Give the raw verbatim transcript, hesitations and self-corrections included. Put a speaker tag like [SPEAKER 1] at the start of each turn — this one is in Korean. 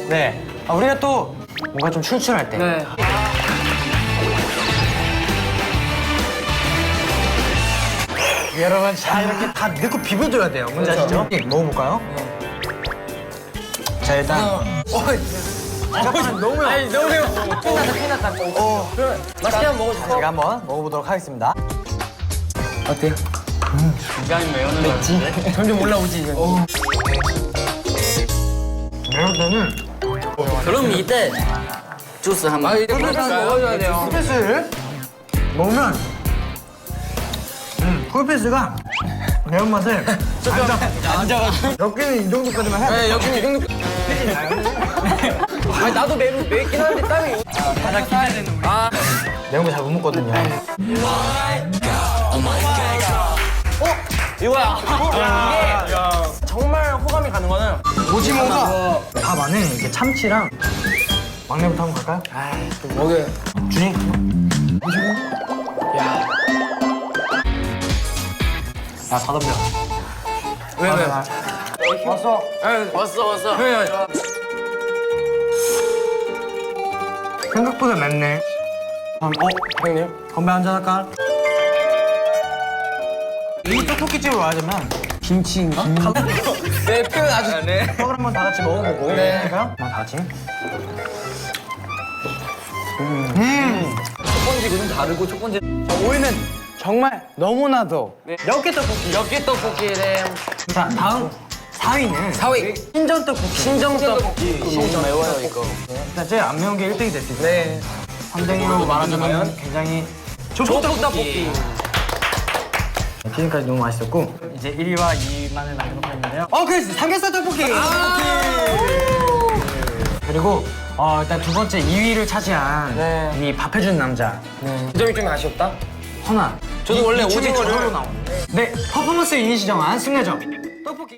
[SPEAKER 1] 네. 아, 우리가 또 뭔가 좀 출출할 때.
[SPEAKER 2] 네.
[SPEAKER 1] 여러분, 자, 이렇게 다 넣고 비벼줘야 돼요. 뭔지 아시죠? 네, 먹어볼까요? 자, 일단. 어, 잠깐만, 너무 매워.
[SPEAKER 2] 아니 너무 매워. 큰일 났다 큰일 났다.
[SPEAKER 1] 어.
[SPEAKER 2] 그럼 맛있게 한번 먹어주세요.
[SPEAKER 1] 제가 한번 먹어보도록 하겠습니다.
[SPEAKER 2] 어때요? 굉장히 매운 맵지? 점점 올라오지 이제.
[SPEAKER 1] 매울 때는
[SPEAKER 3] 그럼 이때 주스 한번.
[SPEAKER 2] 아 이제 꿀빵 먹어줘야 돼요.
[SPEAKER 1] 쿨피스를 먹으면 음, 쿨피스가 매운맛을 앉아가지고 여기는 이 정도까지만 해야 돼.
[SPEAKER 2] 네 여기는 이 정도. 아니 나도 매 맵긴 한데 땀이. 바닥 켜야 되는 우리. 아
[SPEAKER 1] 매운 거 잘 못 먹거든요.
[SPEAKER 2] 이거야. 이게 정말 호감이 가는 거는
[SPEAKER 1] 오징어가 밥 안에 이렇게 참치랑 막내부터 한번 갈까요?
[SPEAKER 2] 먹여요.
[SPEAKER 1] 준이.
[SPEAKER 2] 야.
[SPEAKER 1] 아, 다 덤벼.
[SPEAKER 2] 왜 왜?
[SPEAKER 1] 왔어.
[SPEAKER 3] 왔어 왔어.
[SPEAKER 2] 왜?
[SPEAKER 1] 생각보다 맵네. 어,
[SPEAKER 2] 형님.
[SPEAKER 1] 건배 한잔 할까? 이 떡볶이집을 와야되면 김치인가?
[SPEAKER 2] 네 표현 아주. 네.
[SPEAKER 1] 떡을 한번 다 같이 먹어보고.
[SPEAKER 2] 네.
[SPEAKER 1] 그러니까 다 같이.
[SPEAKER 2] 첫 번째가 좀 다르고 첫 번째.
[SPEAKER 1] 오이는 정말 너무나도 엽기 떡볶이.
[SPEAKER 2] 엽기 떡볶이래.
[SPEAKER 1] 자, 다음 사 위는
[SPEAKER 2] 사 위.
[SPEAKER 1] 신전 떡볶이.
[SPEAKER 2] 신정 떡볶이.
[SPEAKER 3] 너무 매워요 이거.
[SPEAKER 1] 일단 제일 안 매운 게 일 등이 될 수 있어요.
[SPEAKER 2] 네.
[SPEAKER 1] 삼 등이라고 말하자면 굉장히
[SPEAKER 2] 조폭 떡볶이.
[SPEAKER 1] 지금까지 너무 맛있었고 이제 일 위와 이 위만을 만들도록 하는데요. 어, 그래서 삼겹살 떡볶이.
[SPEAKER 2] 아
[SPEAKER 1] 그리고 어, 일단 두 번째 이 위를 차지한
[SPEAKER 2] 네.
[SPEAKER 1] 이 밥해주는 남자
[SPEAKER 2] 네. 그 점이 좀 아쉬웠다.
[SPEAKER 1] 허나.
[SPEAKER 2] 저도 원래
[SPEAKER 1] 이 축의
[SPEAKER 2] 오징어를-
[SPEAKER 1] 저절로 나오는데 네, 퍼포먼스 유닛이 정한 승리점 떡볶이.